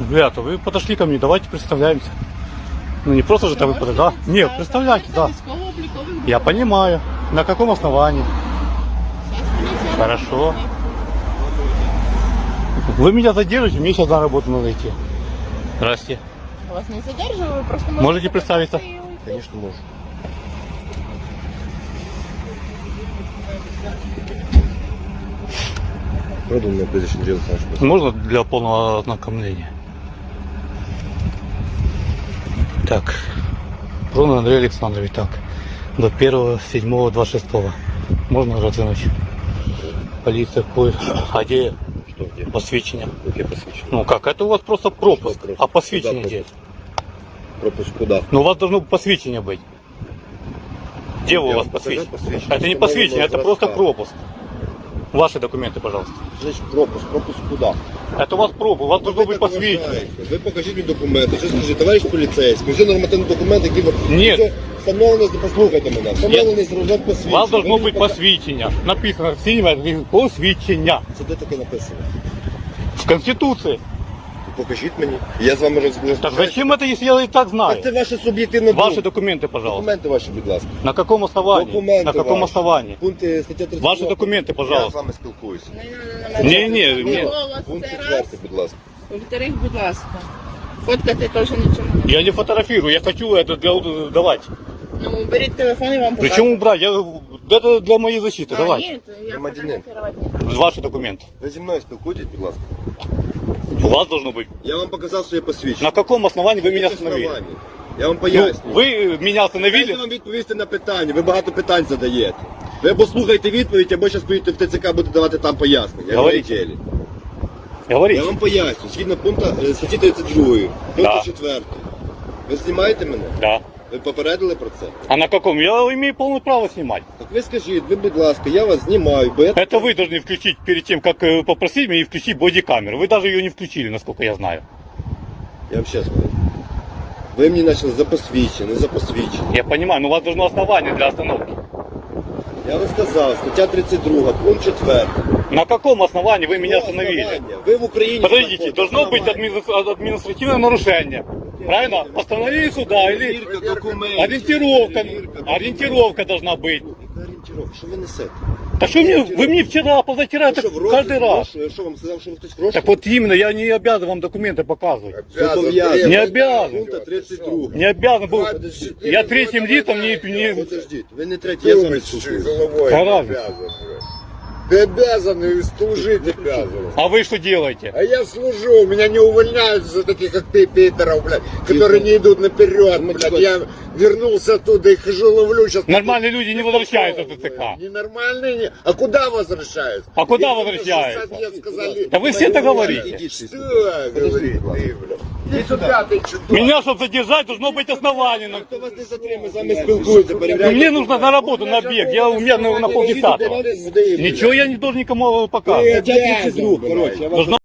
Ребята, вы подошли ко мне, давайте представляемся. Ну не просто же так вы подошли, да? Нет, представляйте, да. Я понимаю. На каком основании? Хорошо. Вы меня задержите, мне сейчас на работу надо идти. Здрасте. Вас не задерживаю, просто Можете представиться? Конечно, можешь. Продал мне прежде чем делать наш. Можно для полного ознакомления? Так. Рон Андрей Александрович, так. До 1.7.26. Можно развернуть? Полиция, а где Что где? посвящение? Какие посвящения? Ну как, это у вас просто пропуск. Что пропуск? А посвящение Куда где? Пропуск куда? Ну у вас должно посвящение быть. Где у Я вас вам покажу посвящение? посвящение. Это не Установленного посвящение, это образца. просто пропуск. Ваши документы, пожалуйста. Значит, пропуск. Пропуск куда? Это у вас пропуск, у вас должно Ви быть так посвящение. вважаєте. Ви покажіть мені документи. Що скажіть, товариш поліцейський, вже нормативний документ, який ви... Ні. Вже встановлений, послухайте мене, встановлений зразок У посвідчення. вас должно Ви быть мені посвящение. Написано синим посвящення. Це де таке написано? В Конституции. Покажіть мені. Я з вами розберусь. Так зачем это, если я и так знаю? Це ваше суб'єктивне Ваши думка. документы, пожалуйста. Документи ваші, будь ласка. На каком основании? Документи На каком ваші. основании? Пункти стаття 32. Ваші документи, Я з пожалуйста. вами спілкуюся. Не. Пункт Це 4, раз. будь ласка. Во-вторых, будь ласка. Фоткати теж нічого. Я не фотографирую, я хочу это для давать. Ну, беріть телефон і вам покажу. Причем убрать? Это для моей защиты. А, Давайте. ні, то я Громадянин. фотографувати не Ваши документы. Ви зі мною спілкуйтесь, будь ласка. У вас должно быть. Я вам показав своє посвідчення. На каком основании вы меня Яке остановили? основання? Я вам Ну, поясню. вы меня Дайте остановили? вам відповісти на питання. Ви багато питань задаєте. Ви або слухайте відповідь, або зараз поїдете в ТЦК, будете давати там пояснення. Говоріть. Я Говорите. вам поясню. Згідно пункту статті 32, Да. пункту 4. Ви знімаєте мене? Да. Ви попередили про це? А на каком? Я имею полное право снимать. Так ви скажіть, ви, будь ласка, я вас знімаю, бо я... Это вы должны включить перед тем, как попросить меня, и включить бодикамеру. Вы даже ее не включили, насколько я знаю. Я вам ще скажу. Ви мені почали за посвідчення, не за посвідчення. Я понимаю, но у вас должно основание для остановки. Я вам сказав, стаття 32, пункт 4. На каком основании вы меня остановили? Основання. Ви в Україні... Подождите, знаходитесь. должно быть административное нарушение. Правильно? Постановление суда или Перевірка документів. ориентировка. Перевірка Ориентировка должна быть. Яка орієнтировка? Що ви несете? Так что вы мне вчера, позавчера, Ви это що, в розшук? каждый раз. Я що вам сказав, що ви хтось в розшук? Так вот именно, я не обязан вам документы показывать. Зобов'язаний. Не обязан. Пункта 32. Не обязан был. Подождите. Я третьим лицом не... Подождіть, ви не третій, я з вами спілкуюся. головой Какая не разница? обязан, блядь. Ты обязан и служить обязан. А вы что делаете? А я служу, меня не увольняют за таких, как ты, пидоров, блядь, которые не идут наперед, блядь. Я вернулся оттуда и хожу, ловлю сейчас. Нормальные люди не возвращаются в ТЦК. Ненормальные, не... А куда возвращаются? А куда Если возвращаются? 60 лет сказали. Да вы все это говорите. Что говорит ты, блядь? Иди сюда, ты чудак. Меня, чтобы задержать, должно быть основание. Хто вас не затримує, з вами спілкується, Ну, перевіряйте. мне нужно на работу, на объект. У меня на полдесятого. Ничего я не должен никому показывать. Стаття 32, коротше, я вас Должно